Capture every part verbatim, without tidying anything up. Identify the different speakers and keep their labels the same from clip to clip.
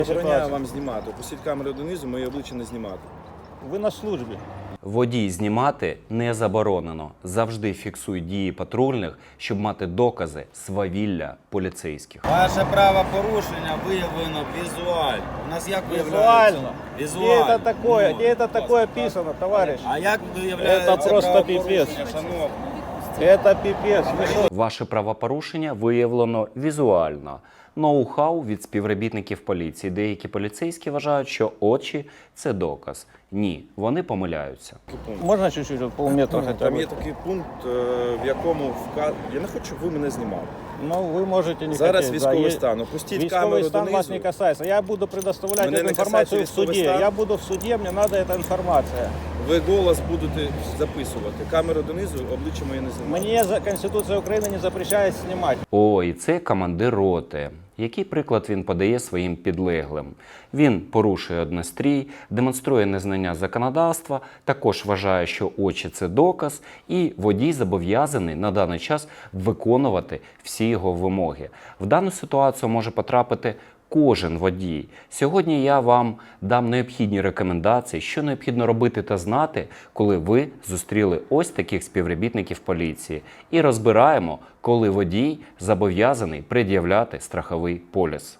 Speaker 1: Забороняю вам знімати. Опустіть камеру донизу, моє обличчя не знімати.
Speaker 2: Ви на службі.
Speaker 3: Водій знімати не заборонено. Завжди фіксуй дії патрульних, щоб мати докази свавілля поліцейських.
Speaker 4: Ваше правопорушення виявлено візуально. У нас як
Speaker 2: Визуально.
Speaker 4: Візуально.
Speaker 2: Где это такое?
Speaker 4: Ну,
Speaker 2: Где это такое писано, товарищ?
Speaker 4: А як виявляється
Speaker 2: Це просто
Speaker 4: правопорушення,
Speaker 2: піпець.
Speaker 4: шановний?
Speaker 2: Это пипец. Вы что?
Speaker 3: Ваше правопорушення виявлено візуально. Ноу-хау від співробітників поліції. Деякі поліцейські вважають, що очі – це доказ. Ні, вони помиляються.
Speaker 2: Можно чуть-чуть, вот полметра хотя
Speaker 1: Там
Speaker 2: бы?
Speaker 1: є такий пункт, е, в якому вка... Я не хочу, щоб ви мене знімали.
Speaker 2: Ну, вы можете не
Speaker 1: Зараз
Speaker 2: хотеть.
Speaker 1: військовий
Speaker 2: да, е-
Speaker 1: стан. Опустіть
Speaker 2: Військовый
Speaker 1: камеру
Speaker 2: стан вас
Speaker 1: донизу.
Speaker 2: не касается. Я буду предоставлять
Speaker 1: Мене
Speaker 2: эту
Speaker 1: не
Speaker 2: информацию в
Speaker 1: касается військовий
Speaker 2: суде.
Speaker 1: стан.
Speaker 2: Я буду в суде, мне надо эта информация.
Speaker 1: Ви голос будете записувати. Камеру донизу, обличчя моє не знімати.
Speaker 2: Мне за Конституция Украины не запрещает снимать.
Speaker 3: О, і це командир роти. Який приклад він подає своїм підлеглим? Він порушує однострій, демонструє незнання законодавства, також вважає, що очі – це доказ, і водій зобов'язаний на даний час виконувати всі його вимоги. В дану ситуацію може потрапити кожен водій. Сьогодні я вам дам необхідні рекомендації, що необхідно робити та знати, коли ви зустріли ось таких співробітників поліції. І розбираємо, коли водій зобов'язаний пред'являти страховий поліс.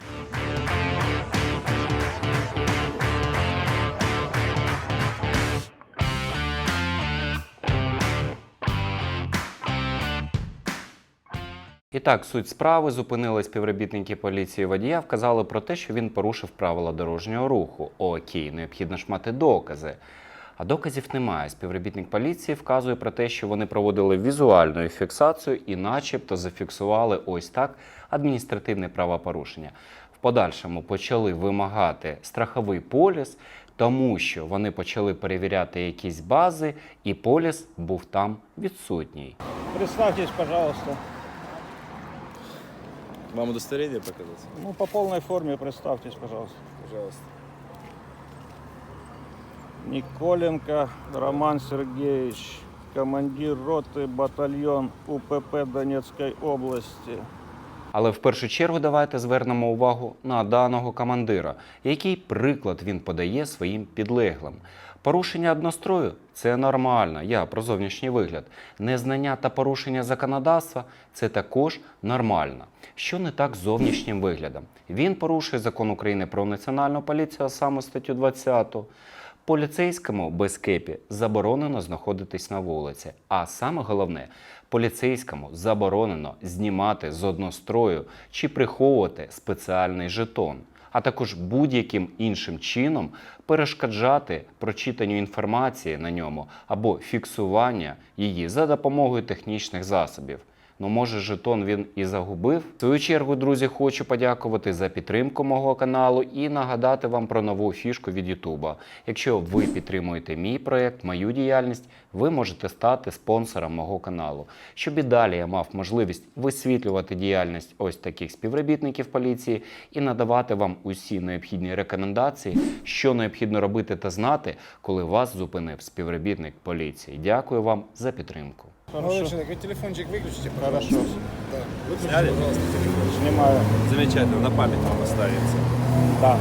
Speaker 3: І так, суть справи: зупинили співробітники поліції водія, вказали про те, що він порушив правила дорожнього руху. Окей, необхідно ж мати докази. А доказів немає. Співробітник поліції вказує про те, що вони проводили візуальну фіксацію і начебто зафіксували ось так адміністративне правопорушення. В подальшому почали вимагати страховий поліс, тому що вони почали перевіряти якісь бази, і поліс був там відсутній.
Speaker 2: Представьтесь, пожалуйста.
Speaker 1: Вам удостоверение показати?
Speaker 2: Ну, по полной форме представьтесь, пожалуйста.
Speaker 1: Пожалуйста.
Speaker 2: Николенко Роман Сергеевич, командир роты, батальон УПП Донецкой области.
Speaker 3: Але в першу чергу давайте звернемо увагу на даного командира, який приклад він подає своїм підлеглим. Порушення однострою – це нормально, я про зовнішній вигляд. Незнання та порушення законодавства – це також нормально. Що не так з зовнішнім виглядом? Він порушує закон України про національну поліцію, а саме статтю двадцяту. Поліцейському без кепі заборонено знаходитись на вулиці. А саме головне, поліцейському заборонено знімати з однострою чи приховувати спеціальний жетон, а також будь-яким іншим чином перешкоджати прочитанню інформації на ньому або фіксування її за допомогою технічних засобів. Ну, може, жетон він і загубив? В свою чергу, друзі, хочу подякувати за підтримку мого каналу і нагадати вам про нову фішку від Ютуба. Якщо ви підтримуєте мій проєкт, мою діяльність, ви можете стати спонсором мого каналу. Щоб і далі я мав можливість висвітлювати діяльність ось таких співробітників поліції і надавати вам усі необхідні рекомендації, що необхідно робити та знати, коли вас зупинив співробітник поліції. Дякую вам за підтримку.
Speaker 2: Хорошо.
Speaker 1: человек, вы телефончик выключите,
Speaker 2: Хорошо.
Speaker 1: Да. Выключите, пожалуйста, телефончик.
Speaker 2: Снимаю.
Speaker 1: Замечательно, на память вам останется.
Speaker 2: Да.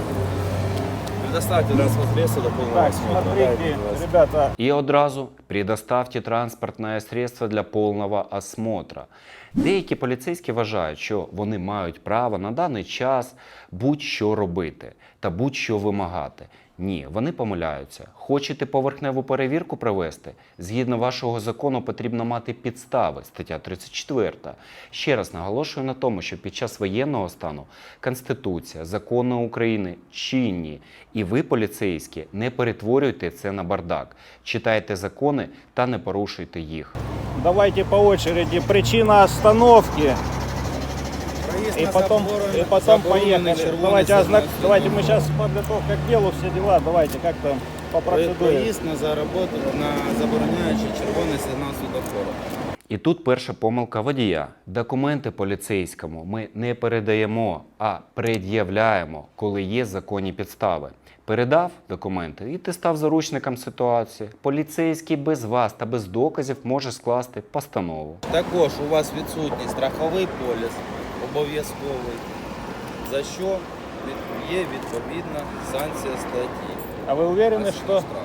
Speaker 1: Предоставьте транспорт средства до полного
Speaker 2: Так,
Speaker 1: осмотра.
Speaker 2: смотрите, ребята,
Speaker 3: И одразу предоставьте транспортне средство для повного осмотра. Деякі поліцейські вважають, що вони мають право на даний час будь-що робити та будь-що вимагати. Ні, вони помиляються. Хочете поверхневу перевірку провести? Згідно вашого закону потрібно мати підстави, стаття тридцять четверта. Ще раз наголошую на тому, що під час воєнного стану Конституція, закони України чинні. І ви, поліцейські, не перетворюйте це на бардак. Читайте закони та не порушуйте їх.
Speaker 2: давайте по очереди. Причина остановки.
Speaker 4: Проїзд
Speaker 2: И
Speaker 4: на
Speaker 2: потом,
Speaker 4: заборонений-
Speaker 2: и потом
Speaker 4: заборонений
Speaker 2: поехали.
Speaker 4: червоний
Speaker 2: Давайте,
Speaker 4: сигнал
Speaker 2: ознак...
Speaker 4: світлофору.
Speaker 2: давайте мы сейчас подготовка к делу, все дела. Давайте, как там по процедуре.
Speaker 4: Проїзд на зароботу на забороняючий червоний сигнал світлофору.
Speaker 3: І тут перша помилка водія. Документи поліцейському ми не передаємо, а пред'являємо, коли є законні підстави. Передав документи, і ти став заручником ситуації. Поліцейський без вас та без доказів може скласти постанову.
Speaker 4: Також у вас відсутній страховий поліс, обов'язковий, за що є відповідна санкція статті.
Speaker 2: А вы уверены,
Speaker 4: А
Speaker 2: что...
Speaker 4: штраф.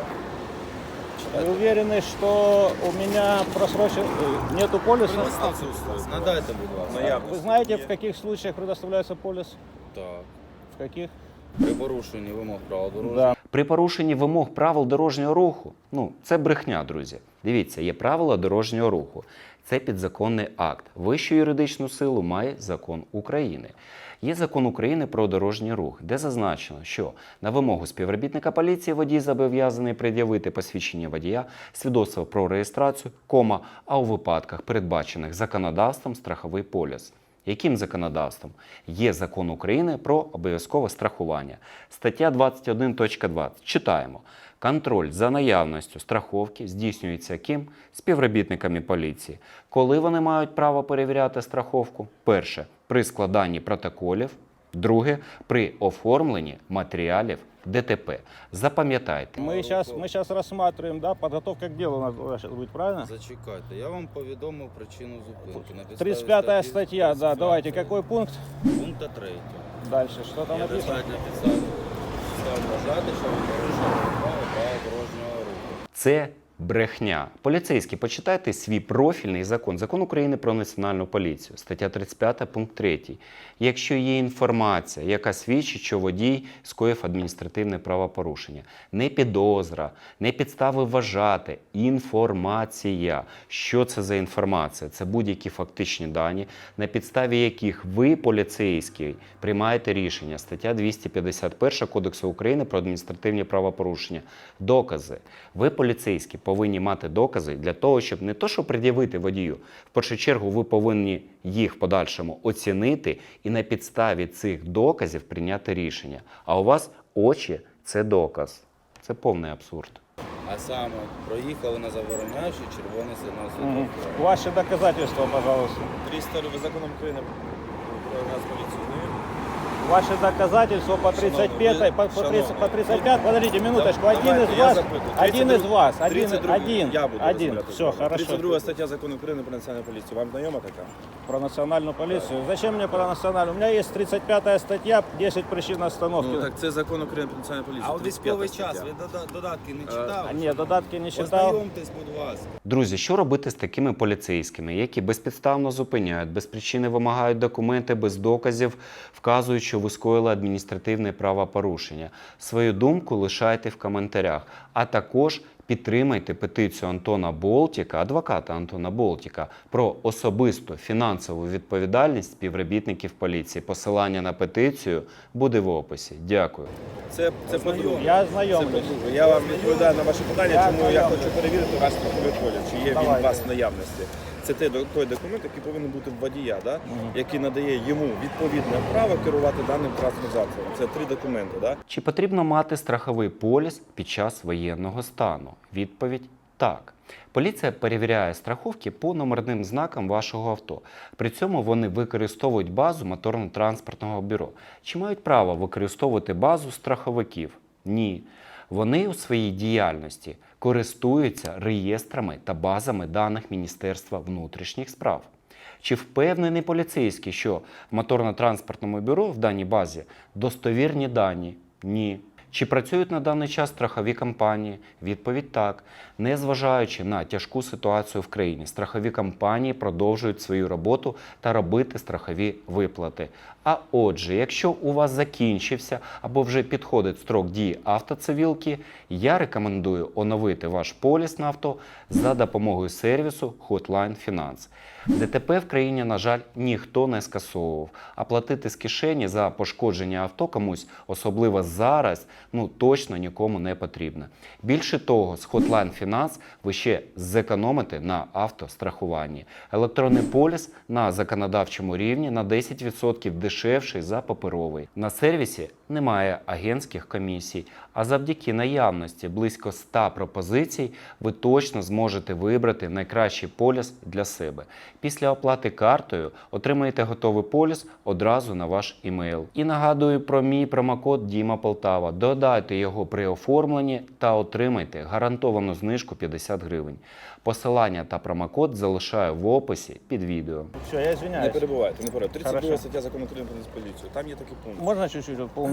Speaker 2: Вы уверены, что у меня просрочен... э, нету полиса?
Speaker 4: Надайте, будь ласка.
Speaker 1: Наявність.
Speaker 2: Вы знаете, в каких случаях предоставляется полис?
Speaker 4: Так.
Speaker 2: В каких?
Speaker 4: При порушенні вимог правил дорожнього
Speaker 2: Да.
Speaker 3: При порушенні вимог правил дорожнього руху, ну, це брехня, друзі. Дивіться, є правила дорожнього руху. Це підзаконний акт. Вищу юридичну силу має закон України. Є закон України про дорожній рух, де зазначено, що на вимогу співробітника поліції водій зобов'язаний пред'явити посвідчення водія, свідоцтво про реєстрацію, кома, а у випадках, передбачених законодавством, страховий поліс. Яким законодавством? Є закон України про обов'язкове страхування. Стаття двадцять один точка двадцять. Читаємо. Контроль за наявністю страховки здійснюється ким? Співробітниками поліції. Коли вони мають право перевіряти страховку? Перше. При складанні протоколів. Друге. При оформленні матеріалів ДТП. Запам'ятайте.
Speaker 2: Мы сейчас, мы сейчас рассматриваем, да, подготовка к делу у нас должна быть, правильно?
Speaker 4: Зачекайте, я вам повідомив причину зупинки. На підставі
Speaker 2: тридцать пятая
Speaker 4: статті
Speaker 2: статья, да,
Speaker 4: тридцять п'ятої.
Speaker 2: давайте, какой пункт?
Speaker 4: Пункта третього.
Speaker 2: Дальше, что там
Speaker 4: Є
Speaker 2: написано?
Speaker 4: достатньо підстав підстав вважати, що ви порушили право правил дорожнього руху.
Speaker 3: Це брехня. Поліцейські, почитайте свій профільний закон. Закон України про національну поліцію. Стаття тридцять п'ята, пункт третій. Якщо є інформація, яка свідчить, що водій скоїв адміністративне правопорушення, не підозра, не підстави вважати, інформація. Що це за інформація? Це будь-які фактичні дані, на підставі яких ви, поліцейський, приймаєте рішення. Стаття двісті п'ятдесят перша Кодексу України про адміністративні правопорушення. Докази. Ви, поліцейські, повинні мати докази для того, щоб не то, що пред'явити водію. В першу чергу ви повинні їх в подальшому оцінити і на підставі цих доказів прийняти рішення. А у вас очі – це доказ. Це повний абсурд.
Speaker 4: А саме, проїхали на забороняючий червоний сигнал
Speaker 2: Мгм.
Speaker 4: світлофора.
Speaker 2: Ваши доказательства, пожалуйста.
Speaker 1: триста законом України про Нацполіцію знаєте?
Speaker 2: Ваши доказательства по тридцать пятой, по, по, тридцать, по тридцать пять, подождите минуточку, один
Speaker 1: Давайте,
Speaker 2: из
Speaker 1: я
Speaker 2: вас,
Speaker 1: запитую.
Speaker 2: один из вас, один,
Speaker 1: тридцять другий.
Speaker 2: один,
Speaker 1: Я буду
Speaker 2: один,
Speaker 1: розмовляти з
Speaker 2: все,
Speaker 1: вами.
Speaker 2: хорошо.
Speaker 1: тридцять друга стаття закону України про національну поліцію. Вам знайома така?
Speaker 2: Про национальную полицию. Зачем мне про национальную? У меня есть тридцать пятая статья, десять причин остановки.
Speaker 1: Ну, так це закон України про національну поліцію.
Speaker 4: А у
Speaker 1: тридцять п'ята
Speaker 4: військовий час
Speaker 1: стаття.
Speaker 4: ви дода- додатки не
Speaker 1: А,
Speaker 4: читали?
Speaker 2: А, ні, додатки не читав.
Speaker 4: Ознайомтесь, будь ласка.
Speaker 3: Друзі, що робити з такими поліцейськими, які безпідставно зупиняють, без причини вимагають документи, без доказів, вказують, що ви скоїли адміністративне правопорушення? Свою думку лишайте в коментарях, а також підтримайте петицію Антона Болтіка, адвоката Антона Болтіка, про особисту фінансову відповідальність співробітників поліції. Посилання на петицію буде в описі. Дякую.
Speaker 1: Це, це по-друге.
Speaker 2: Я
Speaker 1: Це
Speaker 2: ознайомлюсь.
Speaker 1: по-друге. Я вам відповідаю на ваше питання,
Speaker 2: Я
Speaker 1: чому я
Speaker 2: ознайомлюсь.
Speaker 1: хочу перевірити ваш страховий поліс, чи є він
Speaker 2: Давайте.
Speaker 1: у вас в наявності. Це той, той документ, який повинен бути в водія, да? який надає йому відповідне право керувати даним транспортним засобом. Це три документи. Да?
Speaker 3: Чи потрібно мати страховий поліс під час воєнного стану? Відповідь – так. Поліція перевіряє страховки по номерним знакам вашого авто. При цьому вони використовують базу моторно-транспортного бюро. Чи мають право використовувати базу страховиків? Ні. Вони у своїй діяльності користуються реєстрами та базами даних Міністерства внутрішніх справ. Чи впевнений поліцейський, що в моторно-транспортному бюро в даній базі достовірні дані? Ні. Чи працюють на даний час страхові компанії? Відповідь – так. Незважаючи на тяжку ситуацію в країні, страхові компанії продовжують свою роботу та робити страхові виплати. А отже, якщо у вас закінчився або вже підходить строк дії автоцивілки, я рекомендую оновити ваш поліс на авто за допомогою сервісу Hotline Finance. ДТП в країні, на жаль, ніхто не скасовував, а платити з кишені за пошкодження авто комусь, особливо зараз, ну точно нікому не потрібно. Більше того, з Hotline Finance ви ще зекономите на автострахуванні. Електронний поліс на законодавчому рівні на десять відсотків дешевший за паперовий. На сервісі немає агентських комісій, а завдяки наявності близько ста пропозицій ви точно зможете вибрати найкращий поліс для себе. Після оплати картою отримаєте готовий поліс одразу на ваш імейл. І нагадую про мій промокод Діма Полтава. Додайте його при оформленні та отримайте гарантовану знижку п'ятдесят гривень. Посилання та промокод залишаю в описі під відео.
Speaker 2: Все, я
Speaker 1: Не
Speaker 2: извиняюсь.
Speaker 1: перебувайте, не перебувайте. тридцять друга
Speaker 2: Хорошо.
Speaker 1: стаття закону України про поліцію. Там є такий пункт.
Speaker 2: Можно чуть-чуть вот по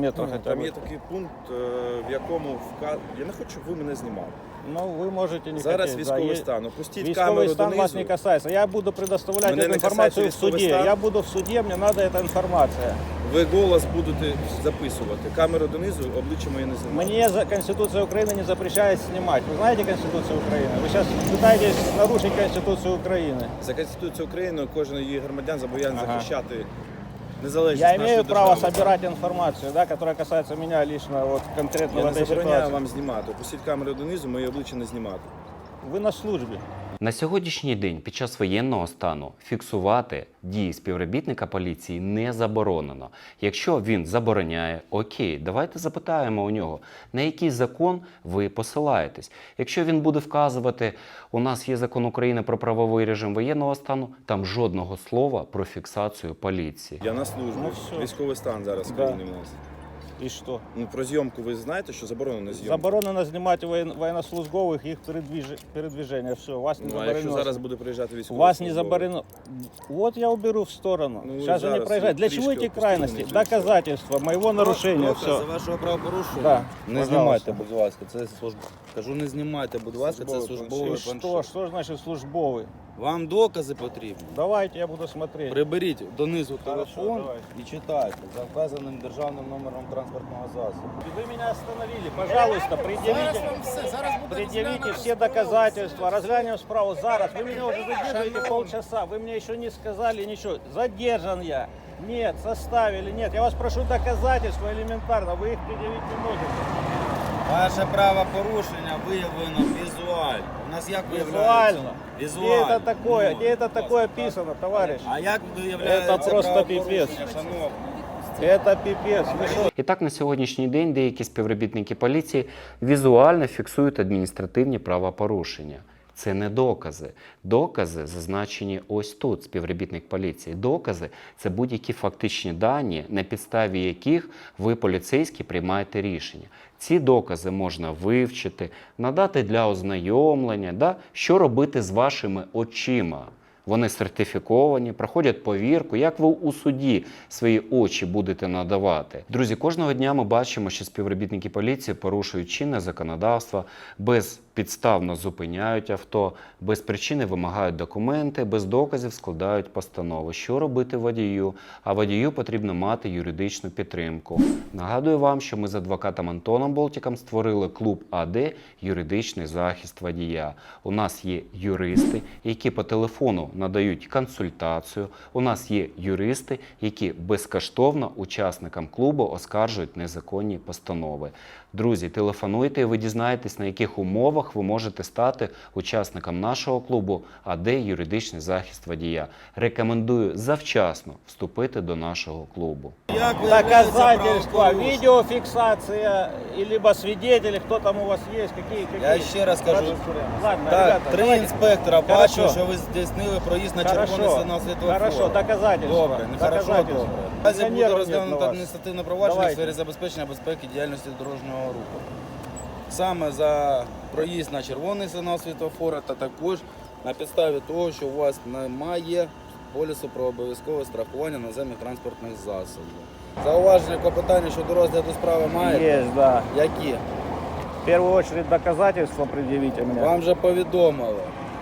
Speaker 2: метра хотя
Speaker 1: Там
Speaker 2: бы.
Speaker 1: є такий пункт, е, в якому вка... Я не хочу, щоб ви мене знімали.
Speaker 2: Ну, вы можете не
Speaker 1: Зараз
Speaker 2: хотеть,
Speaker 1: військовий
Speaker 2: да,
Speaker 1: стан. Опустіть
Speaker 2: Військовый
Speaker 1: камеру
Speaker 2: стан вас
Speaker 1: донизу.
Speaker 2: не касается. Я буду предоставлять
Speaker 1: Мене
Speaker 2: эту
Speaker 1: не
Speaker 2: информацию в
Speaker 1: касается військовий
Speaker 2: суде.
Speaker 1: стан.
Speaker 2: Я буду в суде, мне надо эта информация.
Speaker 1: Ви голос будете записувати. Камеру донизу, обличчя моє не знімайте.
Speaker 2: Мне за Конституция Украины не запрещает снимать. Вы знаете Конституцию Украины? Вы сейчас пытаетесь нарушить Конституцию Украины.
Speaker 1: За Конституцією України кожен її громадян зобов'язаний
Speaker 2: Ага.
Speaker 1: захищати незалежність
Speaker 2: Я
Speaker 1: нашої
Speaker 2: имею право
Speaker 1: держави.
Speaker 2: собирать информацию, да, которая касается меня лично, вот конкретно
Speaker 1: Я
Speaker 2: в
Speaker 1: не
Speaker 2: этой
Speaker 1: забороняю
Speaker 2: ситуации.
Speaker 1: вам знімати. Опустіть камеру донизу, моє обличчя не знімати.
Speaker 2: Вы на службе.
Speaker 3: На сьогоднішній день під час воєнного стану фіксувати дії співробітника поліції не заборонено. Якщо він забороняє, окей, давайте запитаємо у нього, на який закон ви посилаєтесь. Якщо він буде вказувати, у нас є закон України про правовий режим воєнного стану, там жодного слова про фіксацію поліції.
Speaker 1: Я на службі.
Speaker 2: Ну, все.
Speaker 1: Військовий стан зараз в
Speaker 2: Да.
Speaker 1: країні в нас.
Speaker 2: И что?
Speaker 1: Ну, про зйомку ви знаєте, що заборонено зйомка?
Speaker 2: Заборонено снимать воен... военнослужбовых, их передвиж... передвижение. Все, вас не
Speaker 1: Ну, а
Speaker 2: заборонено.
Speaker 1: якщо зараз буде приїжджати військовий
Speaker 2: Вас не
Speaker 1: службовець?
Speaker 2: заборонено. Вот я уберу в сторону.
Speaker 1: Ну, вы
Speaker 2: Сейчас же не
Speaker 1: зараз
Speaker 2: проезжать. Для
Speaker 1: трішки
Speaker 2: чего эти
Speaker 1: опустили,
Speaker 2: крайности?
Speaker 1: не все.
Speaker 2: Доказательства моего нарушения.
Speaker 4: Докази
Speaker 2: Все.
Speaker 4: вашого правопорушення.
Speaker 2: Да,
Speaker 4: Не
Speaker 2: пожалуйста.
Speaker 4: знімайте, будь ласка, це служба. Кажу, не знімайте, будь ласка, це
Speaker 1: Службовий
Speaker 4: службовий
Speaker 2: И
Speaker 1: планшет.
Speaker 2: что?
Speaker 4: планшет.
Speaker 2: Что значит службовый?
Speaker 4: Вам докази потрібні?
Speaker 2: Давайте я буду смотреть.
Speaker 4: Приберіть донизу
Speaker 2: Хорошо,
Speaker 4: телефон
Speaker 2: давайте.
Speaker 4: і читайте за вказаним державним номером транспортного засобу.
Speaker 2: Вы меня остановили. Пожалуйста, предъявите, предъявите все доказательства. Разглянем справу зараз. Вы меня уже задерживаете полчаса. Вы мне еще не сказали ничего. Задержан я. Нет, составили, нет. Я вас прошу доказательства элементарно. Вы их предъявить не можете.
Speaker 4: Ваше правопорушення виявлено візуально. У нас як виявляється?
Speaker 2: Визуально. Где
Speaker 4: Візуально.
Speaker 2: это такое?
Speaker 4: Ну,
Speaker 2: Где это такое описано, товарищ?
Speaker 4: А як виявляється
Speaker 2: Це просто
Speaker 4: правопорушення,
Speaker 2: піпець.
Speaker 4: шановний?
Speaker 2: Это пипец. Вы что?
Speaker 3: І так на сьогоднішній день деякі співробітники поліції візуально фіксують адміністративні правопорушення. Це не докази. Докази зазначені ось тут, співробітник поліції. Докази – це будь-які фактичні дані, на підставі яких ви, поліцейські, приймаєте рішення. Ці докази можна вивчити, надати для ознайомлення, да? Що робити з вашими очима. Вони сертифіковані, проходять повірку. Як ви у суді свої очі будете надавати? Друзі, кожного дня ми бачимо, що співробітники поліції порушують чинне законодавство, безпідставно зупиняють авто, без причини вимагають документи, без доказів складають постанови. Що робити водію? А водію потрібно мати юридичну підтримку. Нагадую вам, що ми з адвокатом Антоном Болтіком створили клуб АД «Юридичний захист водія». У нас є юристи, які по телефону надають консультацію. У нас є юристи, які безкоштовно учасникам клубу оскаржують незаконні постанови. Друзі, телефонуйте і ви дізнаєтесь, на яких умовах ви можете стати учасником нашого клубу АД «Юридичний захист водія». Рекомендую завчасно вступити до нашого клубу.
Speaker 4: Як виявляється
Speaker 2: Доказательства,
Speaker 4: правопорушення?
Speaker 2: видеофиксация, и либо свидетели, кто там у вас есть, какие, какие.
Speaker 4: Я ще раз кажу.
Speaker 2: Ладно,
Speaker 4: Так,
Speaker 2: ребята,
Speaker 4: три
Speaker 2: давайте.
Speaker 4: інспектора
Speaker 2: Хорошо.
Speaker 4: бачили, що ви здійснили проїзд на червоний
Speaker 2: Хорошо,
Speaker 4: сигнал світлофору.
Speaker 2: хорошо, доказательства.
Speaker 4: Добре, не хорошо,
Speaker 2: доказательства.
Speaker 4: добре. Наразі буде
Speaker 2: Пенсионеров нет
Speaker 4: розглянуто
Speaker 2: на вас.
Speaker 4: адміністративне провадження в
Speaker 2: Давайте.
Speaker 4: сфері забезпечення безпеки діяльності дорожнього руху. Саме за проїзд на червоний сигнал світлофора та також на підставі того, що у вас немає полісу про обов'язкове страхування наземних транспортних засобів. Зауваження, клопотання щодо розгляду справи маєте?
Speaker 2: Есть, да.
Speaker 4: Які?
Speaker 2: В первую очередь доказательства предъявите мне.
Speaker 4: Вам вже повідомили.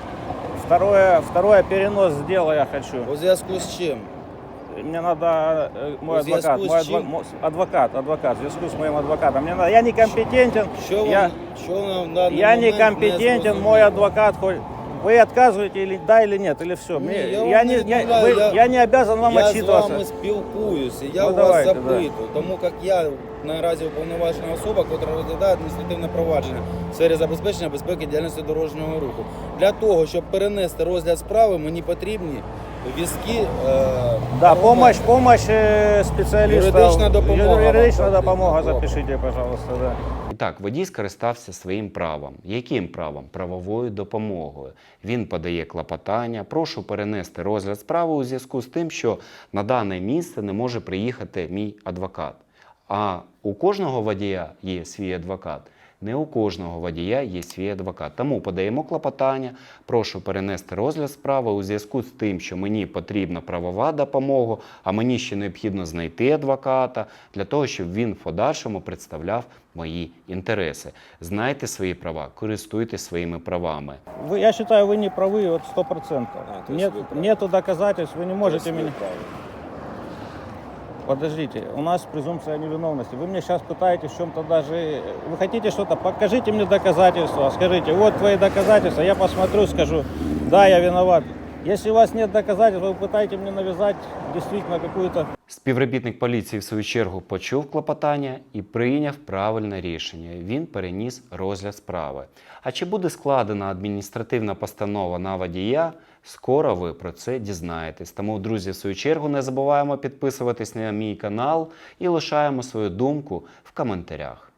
Speaker 2: Второе, второе перенос дела я хочу.
Speaker 4: У зв'язку з чим?
Speaker 2: Мне надо э, мой
Speaker 4: В связку
Speaker 2: адвокат,
Speaker 4: с
Speaker 2: мой
Speaker 4: чем?
Speaker 2: адво- мо- адвокат, адвокат, в связку с моим адвокатом. Мне надо, я некомпетентен,
Speaker 4: Що вам,
Speaker 2: я,
Speaker 4: що вам в даний
Speaker 2: я
Speaker 4: момент
Speaker 2: некомпетентен,
Speaker 4: зрозуміло?
Speaker 2: мой адвокат. хоть- Вы отказываете или да или нет, или все.
Speaker 4: Не,
Speaker 2: Мне,
Speaker 4: я
Speaker 2: я,
Speaker 4: вам
Speaker 2: не,
Speaker 4: не
Speaker 2: я,
Speaker 4: відмовляю,
Speaker 2: вы-
Speaker 4: я-
Speaker 2: я не обязан вам
Speaker 4: Я з
Speaker 2: отчитываться.
Speaker 4: вами спілкуюся, я
Speaker 2: Ну,
Speaker 4: у вас
Speaker 2: давайте,
Speaker 4: запитую, тому як я наразі уповноважена особа, яка розглядає адміністративне провадження в сфері забезпечення безпеки діяльності дорожнього руху. Для того, щоб перенести розгляд справи, мені потрібні візки. Е,
Speaker 2: Да, помощь, помощь э, специалистов.
Speaker 4: Юридична допомога
Speaker 2: Юридична
Speaker 4: вам
Speaker 2: допомога,
Speaker 4: потрібна.
Speaker 2: запишите, пожалуйста, да.
Speaker 3: І так, водій скористався своїм правом. Яким правом? Правовою допомогою. Він подає клопотання, прошу перенести розгляд справи у зв'язку з тим, що на дане місце не може приїхати мій адвокат. А у кожного водія є свій адвокат. Не у кожного водія є свій адвокат. Тому подаємо клопотання, прошу перенести розгляд справи у зв'язку з тим, що мені потрібна правова допомога, а мені ще необхідно знайти адвоката для того, щоб він в подальшому представляв мої інтереси. Знайте свої права, користуйтесь своїми правами.
Speaker 2: Вы, я считаю, вы не правы вот сто процентов.
Speaker 1: А, то есть
Speaker 2: Нет,
Speaker 1: вы правы.
Speaker 2: нету доказательств, вы не можете меня...
Speaker 1: Право.
Speaker 2: Подождите, у нас презумпция невиновности. Вы мне сейчас пытаетесь в чем-то даже... Вы хотите что-то? Покажите мне доказательства. Скажите, вот твои доказательства. Я посмотрю, скажу, да, я виноват. Если у вас нет доказательств, вы пытаетесь мне навязать действительно какую-то...
Speaker 3: Співробітник поліції, в свою чергу, почув клопотання і прийняв правильне рішення. Він переніс розгляд справи. А чи буде складена адміністративна постанова на водія? Скоро ви про це дізнаєтесь. Тому, друзі, в свою чергу, не забуваємо підписуватись на мій канал і лишаємо свою думку в коментарях.